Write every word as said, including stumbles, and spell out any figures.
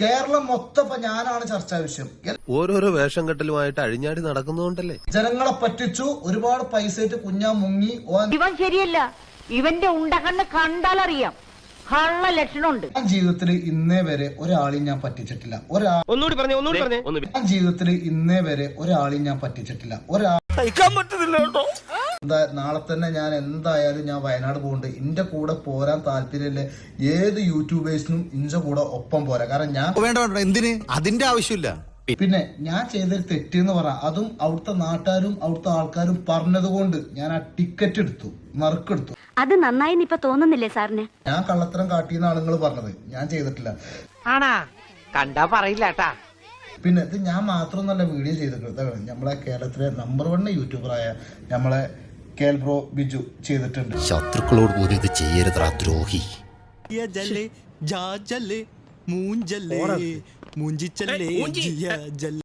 കേരളം മൊത്തം ഇപ്പൊ ഞാനാണ് ചർച്ചാ വിഷയം. ഓരോരോ വേഷം കെട്ടലുമായിട്ട് അഴിഞ്ഞാടി നടക്കുന്നതുകൊണ്ടല്ലേ ജനങ്ങളെ പറ്റിച്ചു, ഒരുപാട് പൈസ കുഞ്ഞാ മുങ്ങി. ഇവൻ ശരിയല്ല, ഇവന്റെ ഉണ്ടകണ്ണ് കണ്ടാലറിയാം കള്ള ലക്ഷണമുണ്ട്. ഞാൻ ജീവിതത്തിൽ ഇന്നേ വരെ ഒരാളെയും ഞാൻ പറ്റിച്ചിട്ടില്ല. ഒരാ ഒന്നുകൂടി പറഞ്ഞേ ഒന്നുകൂടി പറഞ്ഞേ ഞാൻ ജീവിതത്തിൽ ഇന്നേ വരെ ഒരാളെയും ഞാൻ പറ്റിച്ചിട്ടില്ല. ഒരാ എന്താ നാളെ തന്നെ ഞാൻ എന്തായാലും ഞാൻ വയനാട് പോകുന്നുണ്ട്. എന്റെ കൂടെ പോരാൻ താല്പര്യമില്ല ഏത് യൂട്യൂബേഴ്സിനും ഇന്റെ കൂടെ ഒപ്പം പോരാ. കാരണം ഞാൻ വേണ്ട എന്തിന് അതിന്റെ ആവശ്യമില്ല. പിന്നെ ഞാൻ ചെയ്തൊരു തെറ്റെന്ന് പറഞ്ഞ അതും അവിടുത്തെ നാട്ടുകാരും അവിടുത്തെ ആൾക്കാരും പറഞ്ഞത് കൊണ്ട് ഞാൻ ആ ടിക്കറ്റ് എടുത്തു, നറുക്കെടുത്തു. അത് നന്നായി ഇപ്പൊ തോന്നുന്നില്ലേ സാറിന്? ഞാൻ കള്ളത്തരം കാട്ടിയെന്ന് ആളുകൾ പറഞ്ഞത്, ഞാൻ ചെയ്തിട്ടില്ല. ആണാ കണ്ടാ പറയില്ലാട്ടാ. പിന്നെ ഇത് ഞാൻ മാത്രമൊന്നല്ല വീഡിയോ ചെയ്തിട്ടുള്ളത്. നമ്മളെ കേരളത്തിലെ നമ്പർ വൺ യൂട്യൂബറായ നമ്മളെ കേൽ ബ്രോ ബിജു ചെയ്തിട്ടുണ്ട്. ശത്രുക്കളോട് പോലും ഇത് ചെയ്യരുതാ ദ്രോഹി. മൂഞ്ചല്ലേ മൂഞ്ചിച്ചല്ലേ